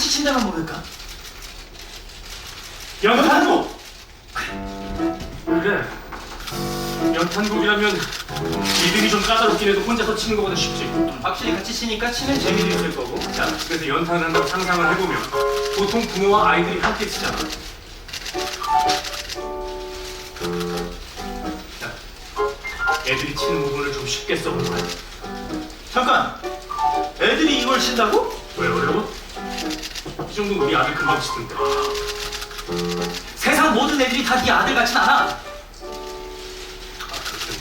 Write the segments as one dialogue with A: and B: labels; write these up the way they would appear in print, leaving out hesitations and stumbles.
A: 같이 친다면 모를까?
B: 연탄국! 그래, 연탄국이라면 리듬이 좀 까다롭긴 해도 혼자서 치는 것보다 쉽지.
A: 확실히 같이 치니까 치는 재미도 있을 거고.
B: 자, 그래서 연탄을 한번 상상을 해보면 보통 부모와 아이들이 함께 치잖아. 자, 애들이 치는 부분을 좀 쉽게 써본 거야.
A: 잠깐! 애들이 이걸 친다고?
B: 왜 어려워? 이 정도는 우리 아들 금방 치던데.
A: 세상 모든 애들이 다 네 아들 같진 않아.
B: 아, 그렇군.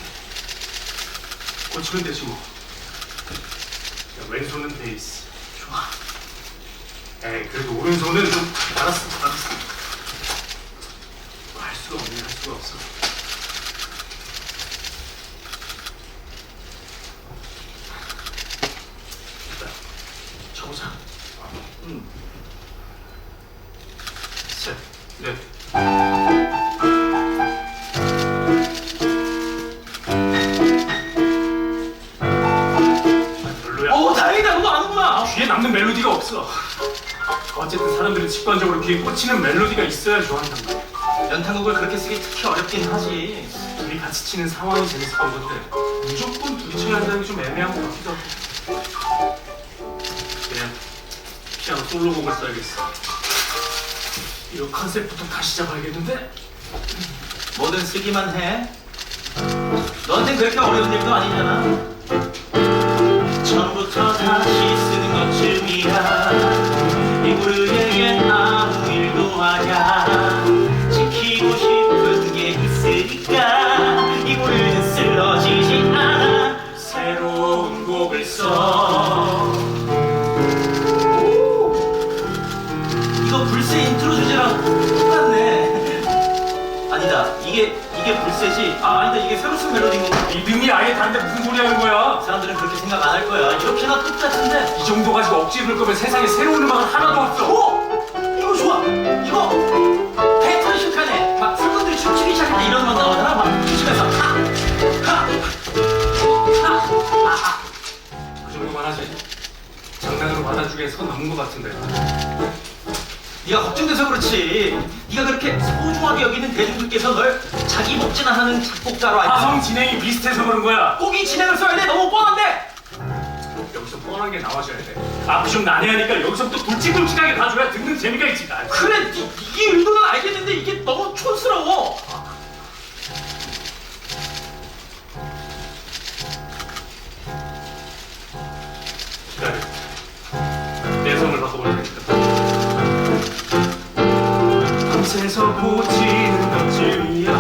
B: 고치면 되지 뭐. 자, 왼손은 베이스.
A: 좋아.
B: 에이, 그래도 오른손은 좀 알았어. 할 수가 없네, 할 수가 없어. 됐다. 쳐보자. 셋, 넷. 별로야.
A: 오, 다행이다. 너도 아는구나.
B: 귀에 남는 멜로디가 없어. 어쨌든 사람들은 직관적으로 귀에 꽂히는 멜로디가 있어야 좋아한단 말이야.
A: 연탄국을 그렇게 쓰기 특히 어렵긴 하지.
B: 둘이 같이 치는 상황이 재밌었던 건데 무조건 둘이 쳐야 한다는 게 좀 애매한 것 같기도 하고. 그냥 피아노 솔로곡을 써야겠어. 이거 컨셉부터 다시 잡아야겠는데?
A: 뭐든 쓰기만 해. 너한텐 그렇게 어려운 일도 아니잖아. 처음부터 다시 쓰는 것쯤이야. 이 무르에겐 아무 일도 아냐. 지키고 싶은 게 있으니까 이 무르는 쓰러지지 않아.
B: 새로운 곡을 써.
A: 이거 불새 인트로 주제랑 똑같네. 아니다. 이게 불새지. 아니다. 이게 새로 쓴 멜로디인 건가?
B: 리듬이 아예 다른데 무슨 소리 하는 거야?
A: 사람들은 그렇게 생각 안 할 거야. 이렇게나 똑같은데.
B: 이 정도 가지고 억지 부를 거면 세상에 새로운 음악은 하나도 없어.
A: 오! 이거 좋아! 이거! 패턴 슈카네! 막 사람들이 춤추기 시작할 때 이런 음악 나오잖아? 막 춤추면서 하! 하! 하!
B: 그 정도만 하지. 장난으로 받아주기엔 선 넘은 것 같은데.
A: 네가 걱정돼서 그렇지. 네가 그렇게 소중하게 여기는 대중들께서 널 자기 복제나 하는 작곡가로 알고
B: 화성 진행이 비슷해서 그런 거야.
A: 꼭이 진행을 써야 돼. 너무 뻔한데!
B: 여기서 뻔한 게 나와줘야 돼. 앞이 좀 난해하니까 여기서부터 굵직굵직하게 가줘야 듣는 재미가 있지.
A: 그래! 이게 의도는 알겠는데 이게 너무 촌스러워.
B: 기다려. 내 성을 바꿔볼 테니까. 밤새서 고치는 것쯤이야.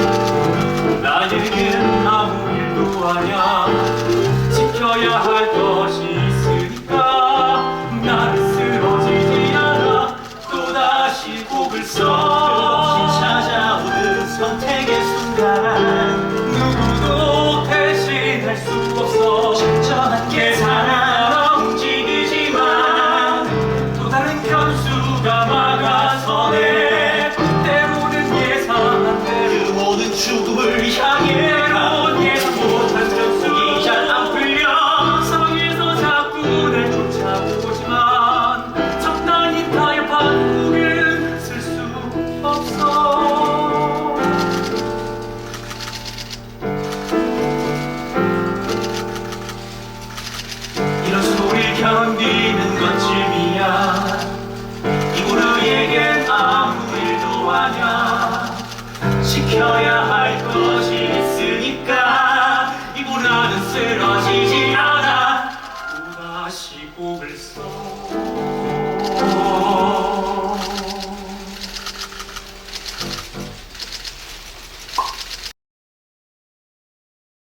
B: 나에겐 아무 일도 아냐. 지켜야 할 것이 있으니까 나는 쓰러지지 않아. 또다시 곡을 써.
A: 끝없이 찾아오는 선택의 순간
B: 누구도 대신할 수 없어.
A: 적절한 계산하러 움직이지만
B: 또 다른 변수가 막아서네. 때로는 예상한 대로
A: 그 모든 죽음을 향해
B: 때론 예상 못한 변수가
A: 잘 안 풀려.
B: 상황에서 자꾸 날 쫓아오지만 적당히 타협한 곡은 쓸 수 없어.
A: 이런 소리를 견디는 것쯤이야. 이 무르에겐 아무 일도 아냐. 지켜야